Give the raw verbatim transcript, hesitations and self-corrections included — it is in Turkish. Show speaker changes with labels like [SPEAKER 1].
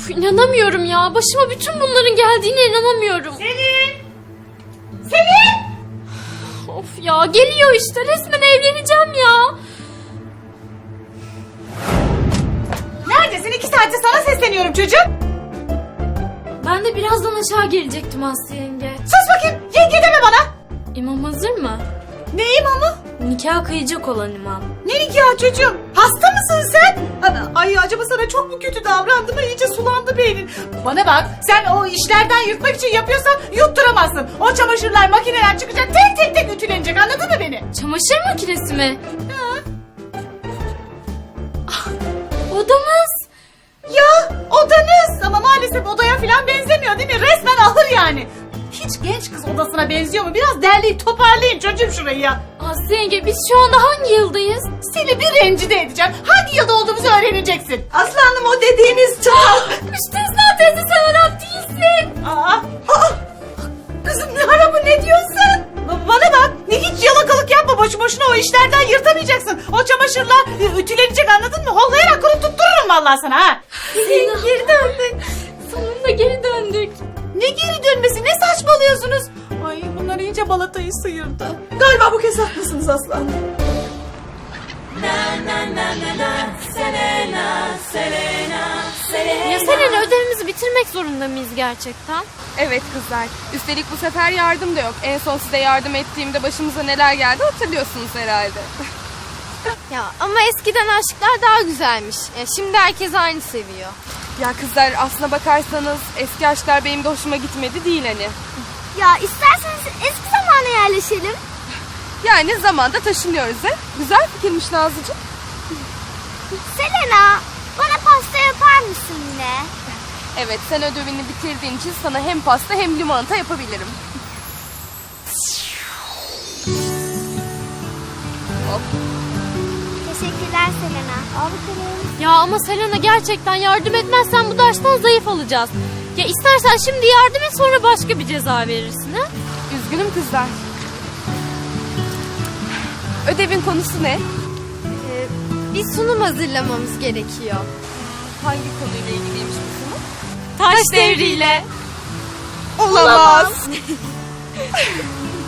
[SPEAKER 1] Of, inanamıyorum ya. Başıma bütün bunların geldiğine inanamıyorum.
[SPEAKER 2] Selin! Selin!
[SPEAKER 1] Of ya, geliyor işte. Resmen evleneceğim ya.
[SPEAKER 2] Neredesin? İki saattir sana sesleniyorum çocuğum.
[SPEAKER 1] Ben de birazdan aşağı gelecektim Aslı yenge.
[SPEAKER 2] Sus bakayım. Yenge deme bana.
[SPEAKER 1] İmam hazır mı?
[SPEAKER 2] Ne imamı?
[SPEAKER 1] Nikah kıyacak olan imam.
[SPEAKER 2] Ne nikahı çocuğum? Hasta mısın sen? Ay acaba sana çok mu kötü davrandı mı? İyice sulandı beynin. Bana bak, sen o işlerden yırtmak için yapıyorsan yutturamazsın. O çamaşırlar makineden çıkacak, tek tek tek ütülenecek, anladın mı beni?
[SPEAKER 1] Çamaşır makinesi mi?
[SPEAKER 2] Ha?
[SPEAKER 1] Ah, odamız.
[SPEAKER 2] Ya odanız ama maalesef odaya falan benzemiyor değil mi? Resmen ahır yani. Hiç genç kız odasına benziyor mu? Biraz derleyip toparlayın çocuğum şurayı ya.
[SPEAKER 1] Aslı yenge, biz şu anda hangi yıldayız?
[SPEAKER 2] Seni bir rencide edeceğim. Hangi yılda olduğumuzu öğreneceksin. Aslanım o dediğiniz çağ.
[SPEAKER 1] Müstesna teyze, sen Arap değilsin.
[SPEAKER 2] Aa, aa, kızım ne ara bu, ne diyorsun? Ba- Bana bak, ne hiç yalakalık yapma, boşu boşuna o işlerden yırtamayacaksın. O çamaşırlar e, ütülenecek, anladın mı? Hollayarak kurup tuttururum vallahi sana ha.
[SPEAKER 1] Zeyno, geri döndük. Sonunda geri döndük.
[SPEAKER 2] Ne geri dönmesi, ne saçmalıyorsunuz? Ay bunlar iyice balatayı sıyırdı. Galiba bu kez haklısınız aslan.
[SPEAKER 1] Ya Selena, ödevimizi bitirmek zorunda mıyız gerçekten?
[SPEAKER 3] Evet kızlar. Üstelik bu sefer yardım da yok. En son size yardım ettiğimde başımıza neler geldi hatırlıyorsunuz herhalde.
[SPEAKER 4] Ya ama eskiden aşklar daha güzelmiş. Ya şimdi herkes aynı seviyor.
[SPEAKER 3] Ya kızlar, aslına bakarsanız eski aşklar benim de hoşuma gitmedi değil hani.
[SPEAKER 4] Ya isterseniz eski zamana yerleşelim.
[SPEAKER 3] Yani zamanda taşınıyoruz he. Güzel fikirmiş Nazlıcığım.
[SPEAKER 4] Selena, bana pasta yapar mısın yine?
[SPEAKER 3] Evet, sen ödevini bitirdiğin için sana hem pasta hem limonata yapabilirim. Hop.
[SPEAKER 4] Teşekkürler Selena. Al bakalım.
[SPEAKER 1] Ya ama Selena, gerçekten yardım etmezsen bu dersten zayıf alacağız. Ya istersen şimdi yardım et, sonra başka bir ceza verirsin ha?
[SPEAKER 3] Üzgünüm kızlar. Ödevin konusu ne?
[SPEAKER 4] Ee, bir sunum hazırlamamız gerekiyor.
[SPEAKER 3] Hangi konuyla ilgiliymiş bu sunum?
[SPEAKER 1] Taş devriyle.
[SPEAKER 3] Olamaz.